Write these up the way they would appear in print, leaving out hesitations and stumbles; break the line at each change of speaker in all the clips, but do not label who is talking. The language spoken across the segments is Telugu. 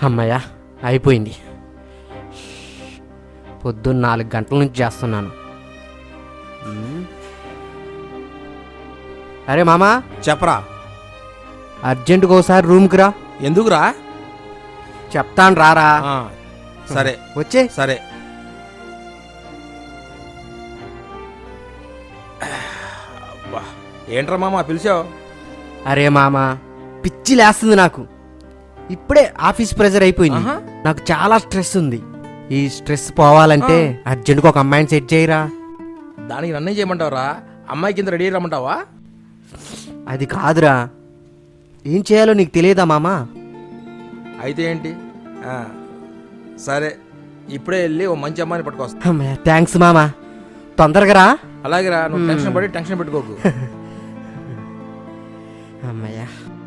అమ్మయ్య అయిపోయింది. పొద్దున్న 4 గంటల నుంచి చేస్తున్నాను. అరే మామా,
చెప్పరా.
అర్జెంటుగా ఒకసారి రూమ్కి రా.
ఎందుకురా?
చెప్తాను రారా.
సరే
వచ్చే.
సరే. అబ్బా, ఏంట్రా మామ పిలిచావు?
అరే మామా, పిచ్చి లేస్తుంది నాకు. ఇప్పుడే ఆఫీస్ ప్రెజర్ అయిపోయింది. నాకు చాలా స్ట్రెస్ ఉంది. ఈ స్ట్రెస్ పోవాలంటే అర్జెంటుగా ఒక అమ్మాయిని సెట్ చేయరా.
దానికి నన్నే చేయమంటావురా? అమ్మాయి కింద రెడీ రమ్మంటావా?
అది కాదురా, ఏం చేయాలో నీకు తెలియదా మామా?
అయితే ఏంటి? సరే, ఇప్పుడే వెళ్ళి ఓ మంచి అమ్మాయిని పట్టుకొస్తా.
అమ్మయ్య, థ్యాంక్స్ మామా, తొందరగా రా.
అలాగే రా, నువ్వు టెన్షన్ పడి టెన్షన్ పెట్టుకోకు.
అమ్మయ్య.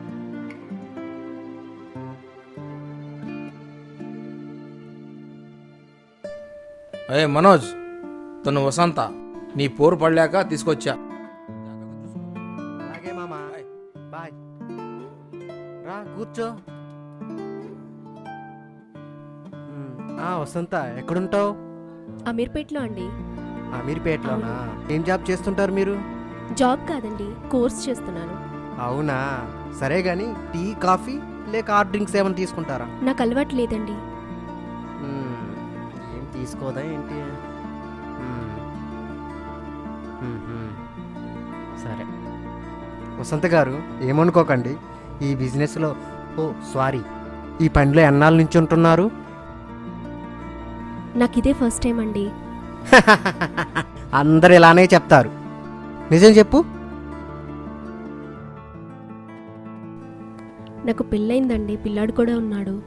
ఏ మనోజ్, తను వసంత, నీ పోరు పడలేక తీసుకొచ్చా.
అలాగే మామా, బాయ్. రా కూర్చో. వసంత, ఎక్కడుంటావు?
అమీర్పేట్లో అండి.
అమీర్పేటలోనా? ఏం జాబ్ చేస్తుంటారు మీరు?
జాబ్ కాదండి, కోర్స్ చేస్తున్నాను.
అవునా, సరే గాని టీ కాఫీ లేక హాట్ డ్రింక్స్ ఏమైనా తీసుకుంటారా?
నాకు అలవాటు లేదండి.
ఏం తీసుకోదా ఏంటి? సరే వసంత గారు, ఏమనుకోకండి. ఈ బిజినెస్లో ఈ పనిలో ఎన్నాళ్ళ నుంచి ఉంటున్నారు?
నాకు ఇదే ఫస్ట్ టైం అండి.
అందరు ఇలానే చెప్తారు. నిజం చెప్పు.
నాకు పెళ్ళయిందండి, పిల్లాడు కూడా ఉన్నాడు.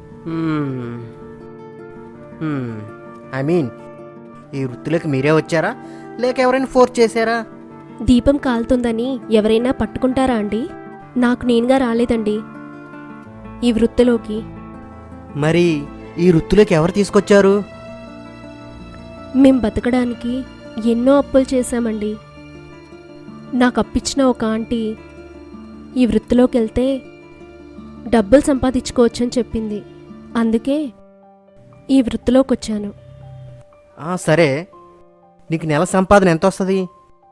ఐ మీన్, ఈ వృత్తిలోకి మీరే వచ్చారా లేక ఎవరైనా ఫోర్స్ చేశారా?
దీపం కాలుతుందని ఎవరైనా పట్టుకుంటారా అండి? నాకు నేనుగా రాలేదండి ఈ వృత్తిలోకి.
మరి ఈ వృత్తిలోకి ఎవరు తీసుకొచ్చారు?
మేం బతకడానికి ఎన్నో అప్పులు చేశామండి. నాకు అప్పిచ్చిన ఒక ఆంటీ ఈ వృత్తిలోకి వెళ్తే డబ్బులు సంపాదించుకోవచ్చని చెప్పింది. అందుకే ఈ వృత్తిలోకి వచ్చాను.
సరే, నీకు నెల సంపాదన ఎంత వస్తుంది?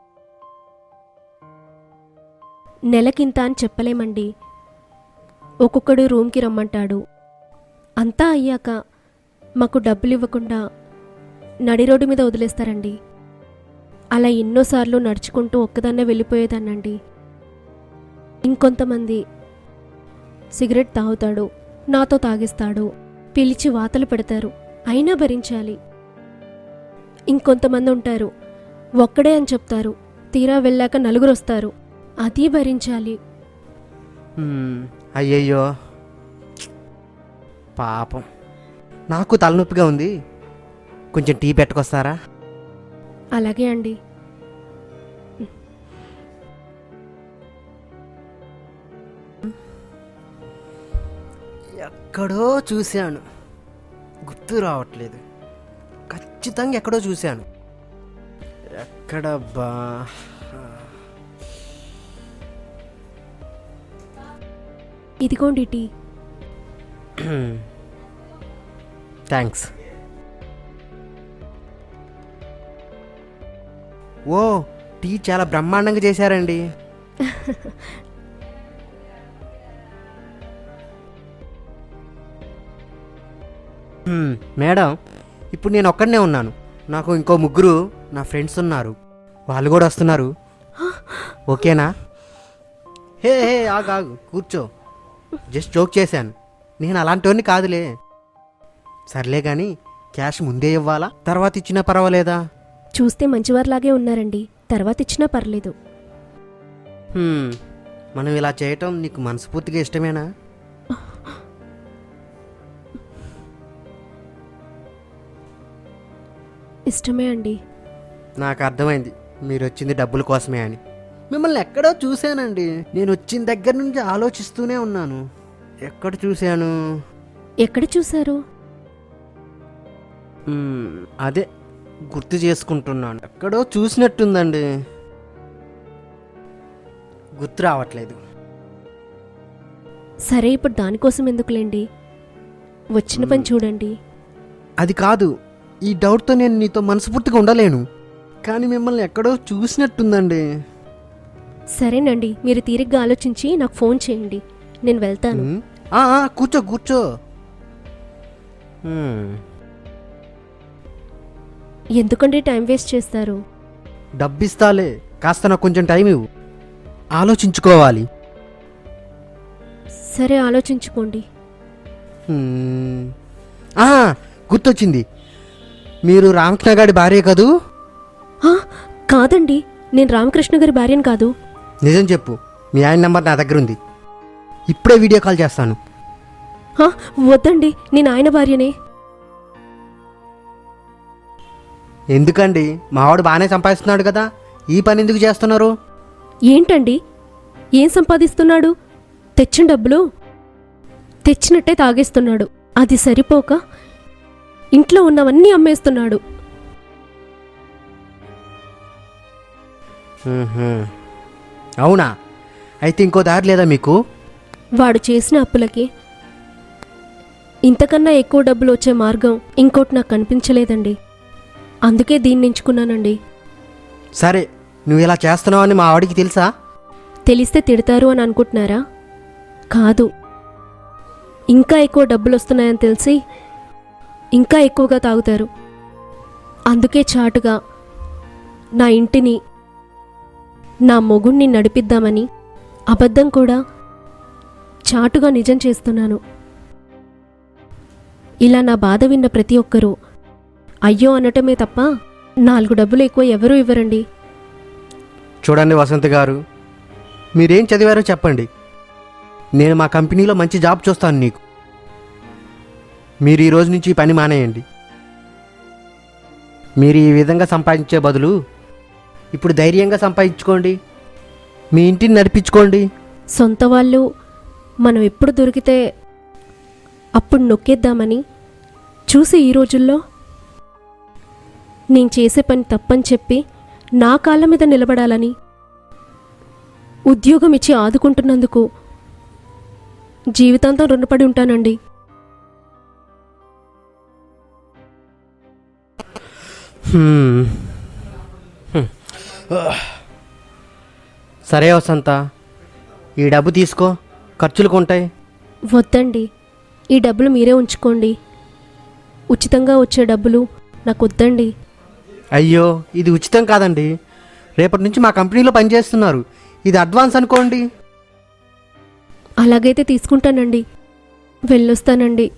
నెలకింత అని చెప్పలేమండి. ఒక్కొక్కడు రూమ్కి రమ్మంటాడు. అంతా అయ్యాక మాకు డబ్బులు ఇవ్వకుండా నడి రోడ్డు మీద వదిలేస్తారండి. అలా ఎన్నోసార్లు నడుచుకుంటూ ఒక్కదాన్నే వెళ్ళిపోయేదాన్నండి. ఇంకొంతమంది సిగరెట్ తాగుతాడు, నాతో తాగిస్తాడు, పిలిచి వాతలు పెడతారు, అయినా భరించాలి. ఇంకొంతమంది ఉంటారు, ఒక్కడే అని చెప్తారు, తీరా వెళ్ళాక 4 వస్తారు, అది భరించాలి.
అయ్యయ్యో పాపం, నాకు తలనొప్పిగా ఉంది. కొంచెం టీ పెట్టుకొస్తారా?
అలాగే అండి.
ఎక్కడో చూశాను, గుర్తు రావట్లేదు. ఖచ్చితంగా ఎక్కడో చూశాను. ఎక్కడబ్బా?
ఇదిగోండి టీ.
థ్యాంక్స్. ఓ, టీ చాలా బ్రహ్మాండంగా చేశారండి. మేడం, ఇప్పుడు నేను ఒక్కడనే ఉన్నాను. నాకు ఇంకో 3 నా ఫ్రెండ్స్ ఉన్నారు, వాళ్ళు కూడా వస్తున్నారు. ఓకేనా? హే ఆగు, కూర్చో. జస్ట్ జోక్ చేశాను, నేను అలాంటివన్నీ కాదులే. సర్లే కానీ క్యాష్ ముందే ఇవ్వాలా తర్వాత ఇచ్చినా పర్వాలేదా?
చూస్తే మంచివారిలాగే ఉన్నారండి, తర్వాత ఇచ్చినా పర్లేదు.
మనం ఇలా చేయటం నీకు మనస్ఫూర్తిగా ఇష్టమేనా?
ఇష్టమే అండి.
నాకు అర్థమైంది, మీరు వచ్చింది డబ్బుల కోసమే అని. మిమ్మల్ని ఎక్కడో చూశానండి. నేను వచ్చిన దగ్గర నుంచి ఆలోచిస్తూనే ఉన్నాను, ఎక్కడ చూశాను.
ఎక్కడ చూశారు?
అదే గుర్తు చేసుకుంటున్నాను. ఎక్కడో చూసినట్టుందండి, గుర్తు రావట్లేదు.
సరే, ఇప్పుడు దానికోసం ఎందుకులేండి. వచ్చిన పని చూడండి.
అది కాదు, ఈ డౌట్తో నేను నీతో మనస్ఫూర్తిగా ఉండలేను. కానీ మిమ్మల్ని ఎక్కడో చూసినట్టుందండి.
సరేనండి, మీరు తీరిగ్గా ఆలోచించి నాకు ఫోన్ చేయండి, నేను వెళ్తాను.
కూర్చో కూర్చో. హ్మ్.
ఎందుకండి టైం వేస్ట్ చేస్తారు?
డబ్బిస్తాలే, కాస్త నాకు కొంచెం టైం ఇవ్వు, ఆలోచించుకోవాలి.
సరే, ఆలోచించుకోండి.
హ్మ్. గుర్తొచ్చింది, మీరు రామకృష్ణ గారి భార్య కదూ?
ఆ, కాదండి, నేను రామకృష్ణ గారి భార్యను కాదు.
నిజం చెప్పు, మీ ఆయన నెంబర్ నా దగ్గర ఉంది, ఇప్పుడే వీడియో కాల్ చేస్తాను.
ఆ, వద్దండి, నేను ఆయన భార్యనే.
ఎందుకండి, మావాడు బాగానే సంపాదిస్తున్నాడు కదా, ఈ పని ఎందుకు చేస్తున్నారు?
ఏంటండి, ఏం సంపాదిస్తున్నాడు? తెచ్చిన డబ్బులు తెచ్చినట్టే తాగేస్తున్నాడు. అది సరిపోక ఇంట్లో ఉన్నవన్నీ అమ్మేస్తున్నాడు.
అవునా? అయితే ఇంకో దారి లేదా మీకు?
వాడు చేసిన అప్పులకి ఇంతకన్నా ఎక్కువ డబ్బులు వచ్చే మార్గం ఇంకోటి నాకు కనిపించలేదండి. అందుకే దీన్ని ఎంచుకున్నానండి.
సరే, నువ్వు ఇలా చేస్తున్నావని మా వాడికి తెలుసా?
తెలిస్తే తిడతారు అని అనుకుంటున్నారా? కాదు, ఇంకా ఎక్కువ డబ్బులు వస్తున్నాయని తెలిసి ఇంకా ఎక్కువగా తాగుతారు. అందుకే చాటుగా నా ఇంటిని, నా మొగుణ్ణి నడిపిద్దామని అబద్ధం కూడా చాటుగా నిజం చేస్తున్నాను. ఇలా నా బాధ విన్న ప్రతి ఒక్కరూ అయ్యో అనటమే తప్ప 4 డబ్బులు ఎక్కువ ఎవరూ ఇవ్వరండి.
చూడండి వసంత్ గారు, మీరేం చదివారో చెప్పండి, నేను మా కంపెనీలో మంచి జాబ్ చూస్తాను నీకు. మీరు ఈ రోజు నుంచి ఈ పని మానేయండి. మీరు ఈ విధంగా సంపాదించే బదులు ఇప్పుడు ధైర్యంగా సంపాదించుకోండి, మీ ఇంటిని నడిపించుకోండి.
సొంత వాళ్ళు మనం ఎప్పుడు దొరికితే అప్పుడు నొక్కేద్దామని చూసి ఈ రోజుల్లో నేను చేసే పని తప్పని చెప్పి నా కాళ్ళ మీద నిలబడాలని ఉద్యోగం ఇచ్చి ఆదుకుంటున్నందుకు జీవితాంతం రుణపడి ఉంటానండి.
సరే వసంత, ఈ డబ్బు తీసుకో, ఖర్చులకు ఉంటాయి.
వద్దండి, ఈ డబ్బులు మీరే ఉంచుకోండి. ఉచితంగా వచ్చే డబ్బులు నాకు వద్దండి.
అయ్యో, ఇది ఉచితం కాదండి, రేపటి నుంచి మా కంపెనీలో పనిచేస్తున్నారు, ఇది అడ్వాన్స్ అనుకోండి.
అలాగైతే తీసుకుంటానండి, వెళ్ళొస్తానండి.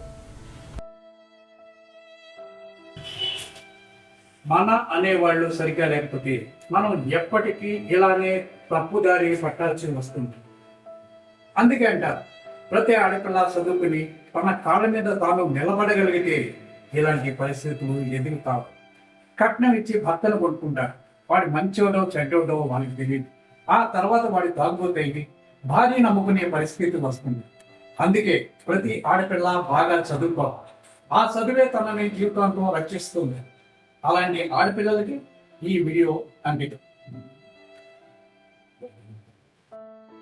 మన అనేవాళ్ళు సరిగ్గా లేకపోతే మనం ఎప్పటికీ ఇలానే తప్పుదారి పట్టాల్సి వస్తుంది. అందుకే అంటారు, ప్రతి ఆడపిల్ల చదువుకుని తన కాళ్ళ మీద తాను నిలబడగలిగితే ఇలాంటి పరిస్థితులు ఎదుగుతావు. కట్నం ఇచ్చి భర్తను కొట్టుకుంటాడు, వాడి మంచోడో చెడ్డోడో వాళ్ళకి తెలియదు. ఆ తర్వాత వాడి తాగుబోతేది భార్య నమ్ముకునే పరిస్థితి వస్తుంది. అందుకే ప్రతి ఆడపిల్ల బాగా చదువుకోవాలి, ఆ చదువే తనని జీవితాంతం రక్షిస్తుంది. అలాంటి ఆడపిల్లలకి ఈ వీడియో అంకితం.